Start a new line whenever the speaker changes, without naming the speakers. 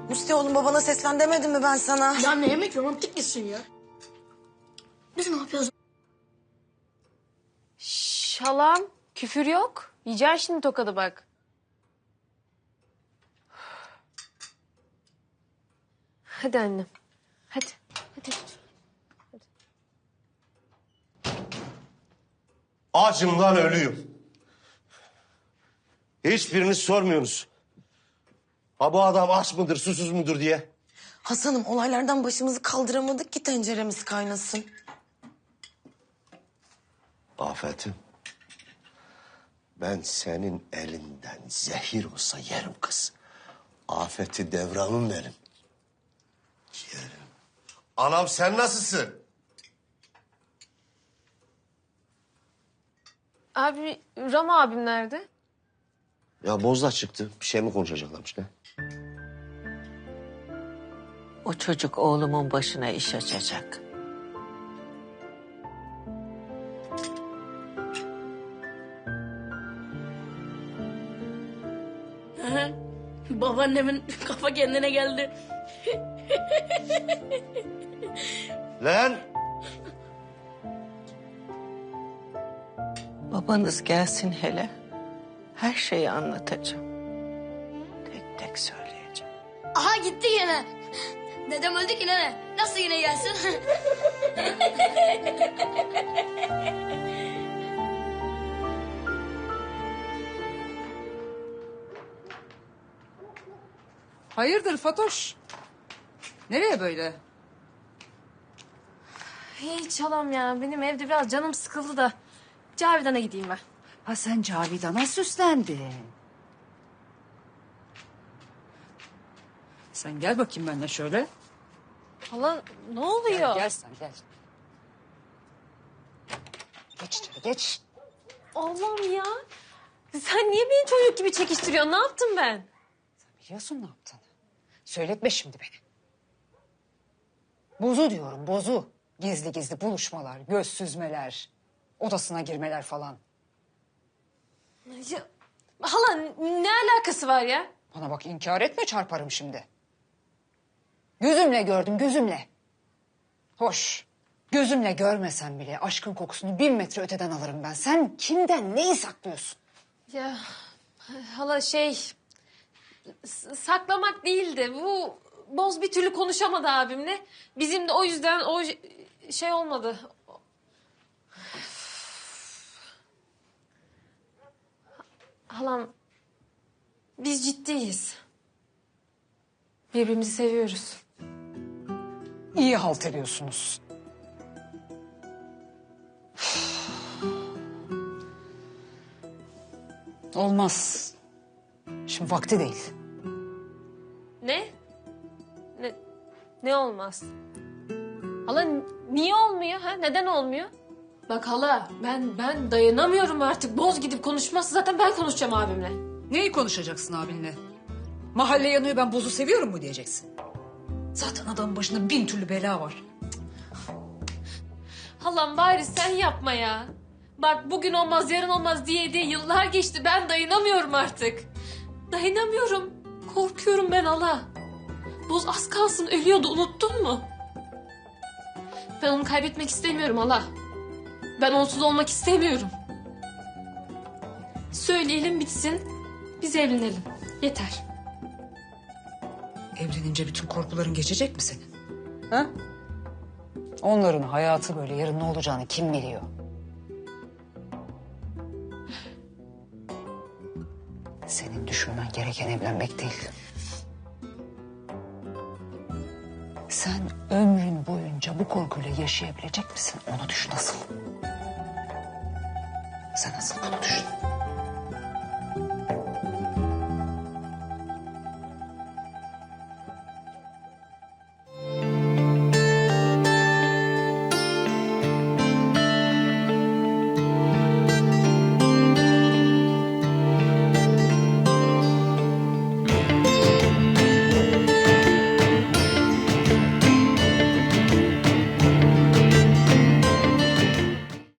Musti oğlum babana seslen demedim mi ben sana?
Ya ne yemek romantik misin ya? Biz ne yapıyoruz?
Şalam, küfür yok. Yiyeceksin şimdi tokadı bak. Hadi annem. Hadi. Hadi.
Acım lan ölüyüm. Hiçbiriniz sormuyorsunuz. Ha bu adam aç mıdır, susuz mudur diye.
Hasan'ım olaylardan başımızı kaldıramadık ki tenceremiz kaynasın.
Afet'im. Ben senin elinden zehir olsa yerim kız. Afet'i devranım benim. Yerim. Anam sen nasılsın?
Abi, Rama abim nerede?
Ya Bozda çıktı. Bir şey mi konuşacaklarmış ne?
O çocuk oğlumun başına iş açacak.
Babaannemin kafa kendine geldi.
Lan!
Babanız gelsin hele. Her şeyi anlatacağım. Tek tek söyleyeceğim.
Aha gitti yine. Dedem öldü ki nene. Nasıl yine gelsin?
Hayırdır Fatoş? Nereye böyle?
Hiç halam ya. Benim evde biraz canım sıkıldı da. Cavidan'a gideyim ben.
Ha sen Cavidan'a süslendin. Sen gel bakayım benimle şöyle.
Hala ne oluyor?
Gel sen gel. Geç içeri geç.
Allah'ım ya. Sen niye beni çocuk gibi çekiştiriyorsun? Ne yaptım ben?
Biliyorsun ne yaptığını. Söyletme şimdi beni. Bozu diyorum bozu. Gizli gizli buluşmalar, göz süzmeler, odasına girmeler falan.
Ya, hala ne alakası var ya?
Bana bak inkar etme çarparım şimdi. Gözümle gördüm gözümle. Hoş. Gözümle görmesem bile aşkın kokusunu 1000 metre öteden alırım ben. Sen kimden neyi saklıyorsun?
Ya hala saklamak değildi. Bu Boz bir türlü konuşamadı abimle. Bizim de o yüzden o şey olmadı. Halam biz ciddiyiz. Birbirimizi seviyoruz.
İyi halt ediyorsunuz. Olmaz. Şimdi vakti değil.
Ne? Ne olmaz? Hala niye olmuyor ha? Neden olmuyor? Bak hala ben dayanamıyorum artık. Boz gidip konuşmazsa zaten ben konuşacağım abimle.
Neyi konuşacaksın abinle? Mahalle yanıyor ben bozu seviyorum mu diyeceksin? Zaten adamın başında 1000 türlü bela var.
Halam bari sen yapma ya. Bak bugün olmaz yarın olmaz diye yıllar geçti. Ben dayanamıyorum artık. Dayanamıyorum. Korkuyorum ben hala. Boz az kalsın ölüyordu unuttun mu? Ben onu kaybetmek istemiyorum hala. Ben onsuz olmak istemiyorum. Söyleyelim bitsin. Biz evlenelim. Yeter.
Evlenince bütün korkuların geçecek mi senin? Ha? Onların hayatı böyle yarın ne olacağını kim biliyor? Senin düşünmen gereken evlenmek değil. Sen ömrün boyunca bu korkuyla yaşayabilecek misin? Onu düşün asıl. Sen asıl bunu düşün.